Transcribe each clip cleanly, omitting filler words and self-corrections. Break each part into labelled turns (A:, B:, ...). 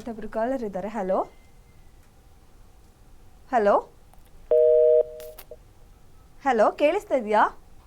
A: ಮತ್ತೊಬ್ರು ಕಾಲರ್ ಇದ್ದಾರೆ. Hello hello hello, ಕೇಳಿಸ್ತಾ ಇದೆಯಾ?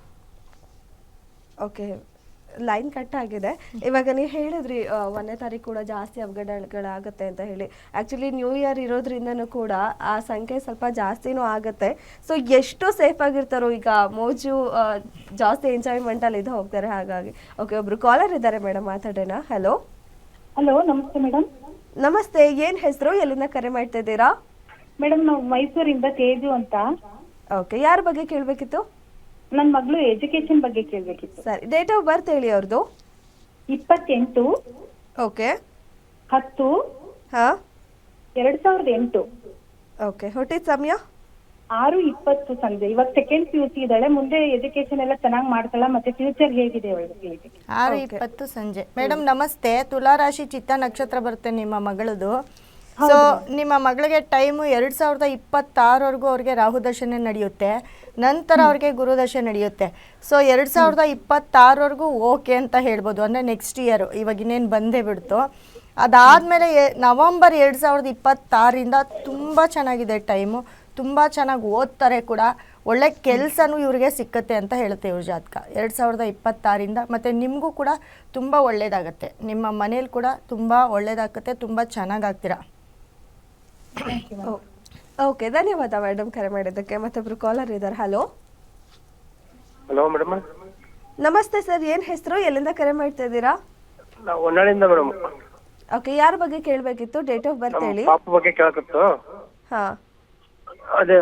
A: ಓಕೆ, ಲೈನ್ ಕಟ್ ಆಗಿದೆ. ಇವಾಗ ನೀವು ಹೇಳಿದ್ರಿ 1ನೇ ತಾರೀಕು ಕೂಡ ಜಾಸ್ತಿ ಅವಘಡಗಳಾಗುತ್ತೆ ಅಂತ ಹೇಳಿ. ಆ್ಯಕ್ಚುಲಿ ನ್ಯೂ ಇಯರ್ ಇರೋದ್ರಿಂದನೂ ಕೂಡ ಆ ಸಂಖ್ಯೆ ಸ್ವಲ್ಪ ಜಾಸ್ತಿನೂ ಆಗುತ್ತೆ. ಸೊ ಎಷ್ಟು ಸೇಫ್ ಆಗಿರ್ತಾರೋ ಈಗ ಮೋಜು ಜಾಸ್ತಿ ಎಂಜಾಯ್ಮೆಂಟಲ್ಲಿ ಇದು ಹೋಗ್ತಾರೆ. ಹಾಗಾಗಿ ಓಕೆ, ಒಬ್ರು ಕಾಲರ್ ಇದ್ದಾರೆ ಮೇಡಮ್, ಮಾತಾಡೋಣ. ಹಲೋ
B: ಹಲೋ, ನಮಸ್ತೆ ಮೇಡಮ್.
A: ನಮಸ್ತೆ, ಏನು ಹೆಸರು, ಎಲ್ಲಿಂದ ಕರೆ ಮಾಡ್ತಾ ಇದ್ದೀರಾ?
B: ಮೇಡಮ್, ನಾವು ಮೈಸೂರಿಂದ ತೇಜು ಅಂತ.
A: ಓಕೆ, ಯಾರ ಬಗ್ಗೆ ಕೇಳಬೇಕಿತ್ತು?
B: ನನ್ನ ಮಗಳು ಎಜುಕೇಶನ್ ಬಗ್ಗೆ ಕೇಳಬೇಕಿತ್ತು.
A: ಸರಿ, ಡೇಟ್ ಆಫ್ ಬರ್ತ್ ಹೇಳಿ ಅವ್ರದ್ದು.
B: 28
A: ಓಕೆ
B: 10
A: ಹಾಂ
B: 2008.
A: ಓಕೆ, ಹುಟ್ಟಿದ ಸಮಯ
B: 6:20 ಸಂಜೆ. ಇವಾಗ ಸೆಕೆಂಡ್ PUC ಇದ್ದಾಳೆ. ಮುಂದೆ ಎಜುಕೇಶನ್ ಎಲ್ಲ ಚೆನ್ನಾಗಿ ಮಾಡ್ತಾಳ, ಮತ್ತೆ ಫ್ಯೂಚರ್ ಹೇಗಿದೆ ಅವಳಿಗೆ?
C: 6:20 ಸಂಜೆ. ಮೇಡಮ್ ನಮಸ್ತೆ. ತುಲಾರಾಶಿ ಚಿತ್ತ ನಕ್ಷತ್ರ ಬರುತ್ತೆ ನಿಮ್ಮ ಮಗಳದು. ಸೊ ನಿಮ್ಮ ಮಗಳಿಗೆ ಟೈಮು 2026ವರೆಗೂ ಅವ್ರಿಗೆ ರಾಹು ದಶೆ ನಡೆಯುತ್ತೆ. ನಂತರ ಅವ್ರಿಗೆ ಗುರುದಶೆ ನಡೆಯುತ್ತೆ. ಸೊ 2026ವರೆಗೂ ಓಕೆ ಅಂತ ಹೇಳ್ಬೋದು. ಅಂದರೆ ನೆಕ್ಸ್ಟ್ ಇಯರು, ಇವಾಗ ಇನ್ನೇನು ಬಂದೇ ಬಿಡ್ತು. ಅದಾದಮೇಲೆ ನವಂಬರ್ 2026ರಿಂದ ತುಂಬ ಚೆನ್ನಾಗಿದೆ ಟೈಮು. ತುಂಬ ಚೆನ್ನಾಗಿ ಓದ್ತಾರೆ ಕೂಡ, ಒಳ್ಳೆ ಕೆಲಸನೂ ಇವ್ರಿಗೆ ಸಿಕ್ಕತ್ತೆ ಅಂತ ಹೇಳುತ್ತೆ ಇವ್ರ ಜಾತಕ 2026ರಿಂದ. ಮತ್ತು ನಿಮಗೂ ಕೂಡ ತುಂಬ ಒಳ್ಳೆಯದಾಗತ್ತೆ. ನಿಮ್ಮ ಮನೇಲಿ ಕೂಡ ತುಂಬ ಒಳ್ಳೆಯದಾಗತ್ತೆ, ತುಂಬ ಚೆನ್ನಾಗಾಗ್ತೀರಾ.
A: ಓಕೆ, ಧನ್ಯವಾದ ಮೇಡಮ್ ಕರೆ ಮಾಡಿದ್ದಕ್ಕೆ. ಮತ್ತೊಬ್ರು ಕಾಲರ್ ಇದ್ದಾರೆ. Hello
D: hello madam.
A: ನಮಸ್ತೆ ಸರ್, ಏನು ಹೆಸರು, ಎಲ್ಲಿಂದ ಕರೆ ಮಾಡ್ತಾ ಇದ್ದೀರಾ?
D: ನಾವು ಹೊನ್ನಾಳಿಂದ ಮೇಡಮ್.
A: ಓಕೆ, ಯಾರ ಬಗ್ಗೆ ಕೇಳಬೇಕಿತ್ತು? ಡೇಟ್ ಆಫ್ ಬರ್ತ್ ಹೇಳಿ.
D: ಪಾಪ ಬಗ್ಗೆ ಕೇಳಕತ್ತು.
A: ಹಾ,
D: ಅದೇ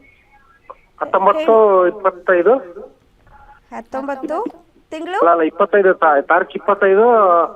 D: 19-25
A: 19 ತಿಂಗಳು.
D: ಅಲ್ಲ 25 ತಾರೀಕು 25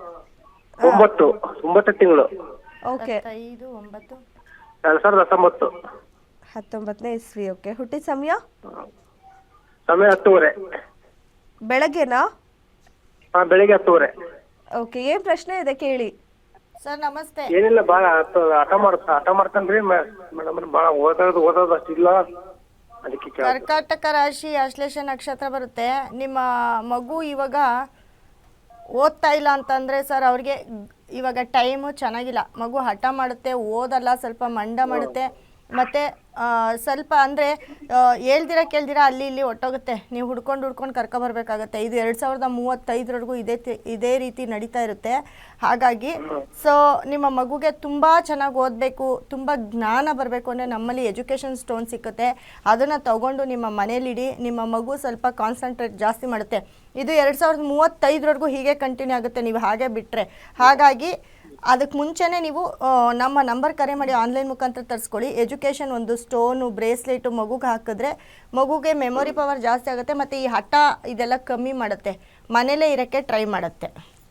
D: 9 ತಿಂಗಳು
A: ಓಕೆ
C: 5-9
D: 2019.
A: 19ನೇ ಇಸ್ವಿ. ಓಕೆ, ಹುಟ್ಟಿದ ಸಮಯ
D: ಸಮಯ 10:30
A: ಬೆಳಗ್ಗೆನಾ?
D: ಬೆಳಿಗ್ಗೆ 10:30.
A: ಓಕೆ, ಏನು ಪ್ರಶ್ನೆ ಇದೆ ಕೇಳಿ.
C: ಸರ್ ನಮಸ್ತೆ.
D: ಏನಿಲ್ಲ, ಭಾಳ ಹಠ ಮಾಡ್ತಾನ್ರಿ ಮೇಡಮ್. ಭಾಳ ಓದೋದು ಅಷ್ಟಿಲ್ಲ, ಅದಕ್ಕೆ
C: ಕರ್ಕಾಟಕ ರಾಶಿ ಆಶ್ಲೇಷ ನಕ್ಷತ್ರ ಬರುತ್ತೆ. ನಿಮ್ಮ ಮಗು ಇವಾಗ ಓದ್ತಾ ಇಲ್ಲ ಅಂತಂದರೆ ಸರ್ ಅವ್ರಿಗೆ ಇವಾಗ ಟೈಮು ಚೆನ್ನಾಗಿಲ್ಲ. ಮಗು ಹಠ ಮಾಡುತ್ತೆ, ಓದಲ್ಲ, ಸ್ವಲ್ಪ ಮಂಡ ಮಾಡುತ್ತೆ, ಮತ್ತು ಸ್ವಲ್ಪ ಅಂದರೆ ಕೇಳ್ದಿರ ಅಲ್ಲಿ ಇಲ್ಲಿ ಹೊಟ್ಟೋಗುತ್ತೆ. ನೀವು ಹುಡ್ಕೊಂಡು ಕರ್ಕೊಬರ್ಬೇಕಾಗತ್ತೆ. ಇದು 2035ವರೆಗೂ ಇದೇ ರೀತಿ ನಡೀತಾ ಇರುತ್ತೆ. ಹಾಗಾಗಿ ಸೊ ನಿಮ್ಮ ಮಗುಗೆ ತುಂಬ ಚೆನ್ನಾಗಿ ಓದಬೇಕು, ತುಂಬ ಜ್ಞಾನ ಬರಬೇಕು ಅಂದರೆ ನಮ್ಮಲ್ಲಿ ಎಜುಕೇಷನ್ ಸ್ಟೋನ್ ಸಿಕ್ಕುತ್ತೆ. ಅದನ್ನು ತಗೊಂಡು ನಿಮ್ಮ ಮನೇಲಿಡಿ. ನಿಮ್ಮ ಮಗು ಸ್ವಲ್ಪ ಕಾನ್ಸಂಟ್ರೇಟ್ ಜಾಸ್ತಿ ಮಾಡುತ್ತೆ. ಇದು 2035ವರೆಗೂ ಹೀಗೆ ಕಂಟಿನ್ಯೂ ಆಗುತ್ತೆ ನೀವು ಹಾಗೆ ಬಿಟ್ಟರೆ. ಹಾಗಾಗಿ ಅದಕ್ಕೆ ಮುಂಚೆನೇ ನೀವು ನಮ್ಮ ನಂಬರ್ ಕರೆ ಮಾಡಿ ಆನ್ಲೈನ್ ಮುಖಾಂತರ ತರಿಸ್ಕೊಳ್ಳಿ. ಎಜುಕೇಷನ್ ಒಂದು ಸ್ಟೋನು, ಬ್ರೇಸ್ಲೆಟು ಮಗುಗೆ ಹಾಕಿದ್ರೆ ಮಗುಗೆ ಮೆಮೊರಿ ಪವರ್ ಜಾಸ್ತಿ ಆಗುತ್ತೆ, ಮತ್ತು ಈ ಹಠ ಇದೆಲ್ಲ ಕಮ್ಮಿ ಮಾಡುತ್ತೆ. ಮನೇಲೇ ಇರೋಕ್ಕೆ ಟ್ರೈ ಮಾಡುತ್ತೆ.